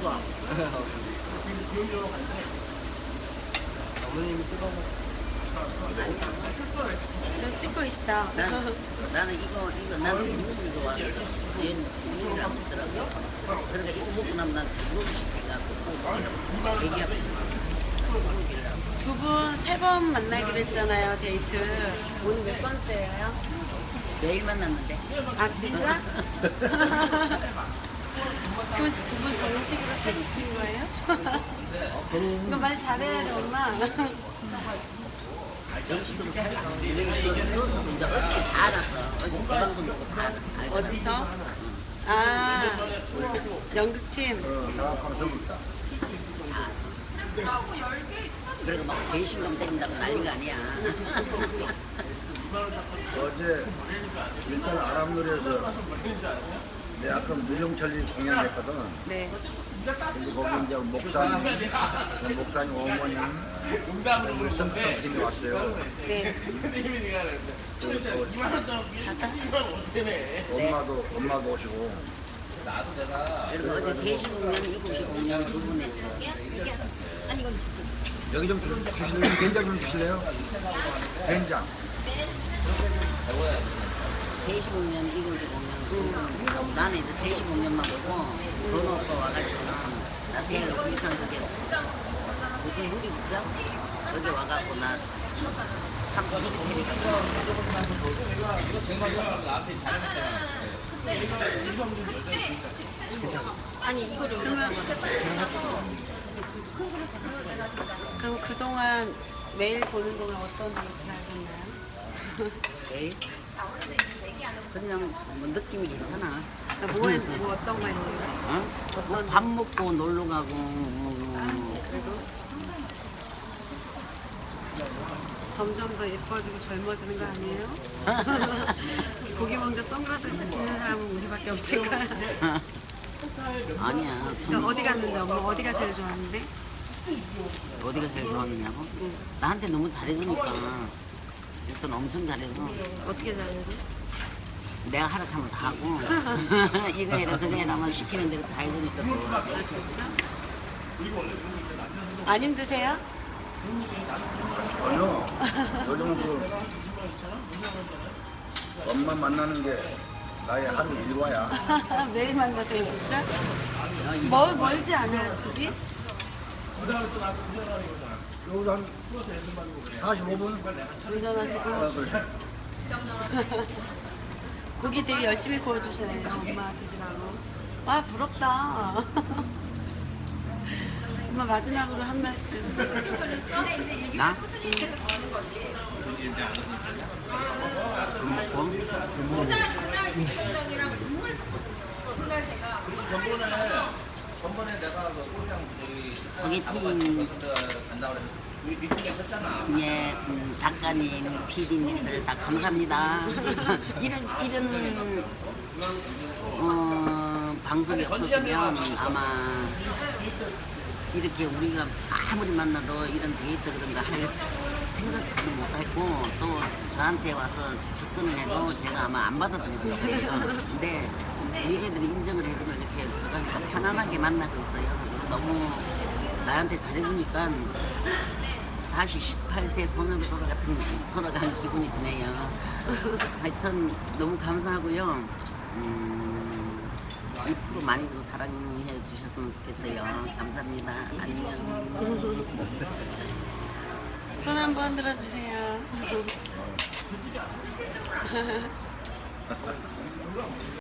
어머님이 뜯어먹어. 저 찍고 있다. 나는 나는 이거 좋아해. 얘는 이거를 안 먹더라고. 그러니까 이거 먹고 나면 난 불고기 시켜갖고 얘기하고 두 분 세 번 만나기로 했잖아요, 데이트. 오늘 몇 번째예요? 매일 만났는데. 아, 진짜? 그럼 두 분 정식으로 사귀신 거예요? 이거 말 잘해야 돼, 엄마. 정식으로 살고 그래서 이제 어저께 다 알았어. 어저께 방송 보고 다 알았어. 어디서? 아, 연극팀. 장학하면 전부다. 그리고 막 배신감 때린다고 난리가 아니야. 어제 일단 아람노래에서 내 아까 무용철이 공연했거든. 네. 근데 거기 이제 목사님 어머님 우리 선생님이 왔어요. 네. 엄마도 오시고. 그리고 어제 3시 공연, 7시 공연 두 분 했어요. 여기 좀 주실래요? 된장 좀 주실래요? 된장. 3시 공연, 7시 공연. 나는 이제 3시 공연만 보고 번호 오빠 와가지고는 나 내일 의상 그게 무슨 물이 있죠? 어제 와갖고 나 참고 호텔이가지고 그럼 그동안 매일 보는 동안 어떤 데이트 하셨나요? 내일 그냥 뭐 느낌이 괜찮아. 뭐 어떤 거 했어요? 어? 뭐밥 먹고 놀러 가고 그래도 점점 더 예뻐지고 젊어지는 거 아니에요? 고기 먹는데 선글라스 쓰는 사람은 우리밖에 없을 거야. 아니야. 그러니까 어디 갔는데 엄마 어디가 제일 좋았는데? 어디가 제일 좋았느냐고? 나한테 너무 잘해주니까 일단 엄청 잘해서 어떻게 잘해요? 내가 하락하면 다 하고 이거 해라 저거 해라 만 시키는 대로 다 해주니까 좋아. 아 진짜? 안 힘드세요? 아니요. 요즘은 엄마 만나는 게 나의 하루 일과야. 매일 만나세요 진짜? 멀지 않아요 집이? 여기서 한 45분? 운전하시고 그래. 고기 되게 열심히 구워주시네요 엄마 드시라고. 와 부럽다. 엄마 마지막으로 한 말씀. 나? 먹고 전번에 내가 그 꼴장 소개팅 간다고 그래서 우리 뒤쪽에 섰잖아. 예, 작가님, PD님들 다 감사합니다. 이런 방송이 없었으면 아마 이렇게 우리가 아무리 만나도 이런 데이트 그런 거 할 생각도 못했고 또 저한테 와서 접근을 해도 제가 아마 안 받아들였을 거예요. 근데 우리 애들이 인정을 해주면 이렇게 제가 다 편안하게 만나고 있어요. 너무 나한테 잘해주니까 다시 18세 소년으로 돌아간 기분이 드네요. 하여튼 너무 감사하고요. 이 프로 많이 좀 사랑해 주셨으면 좋겠어요. 감사합니다. 안녕. 손 한번 들어주세요.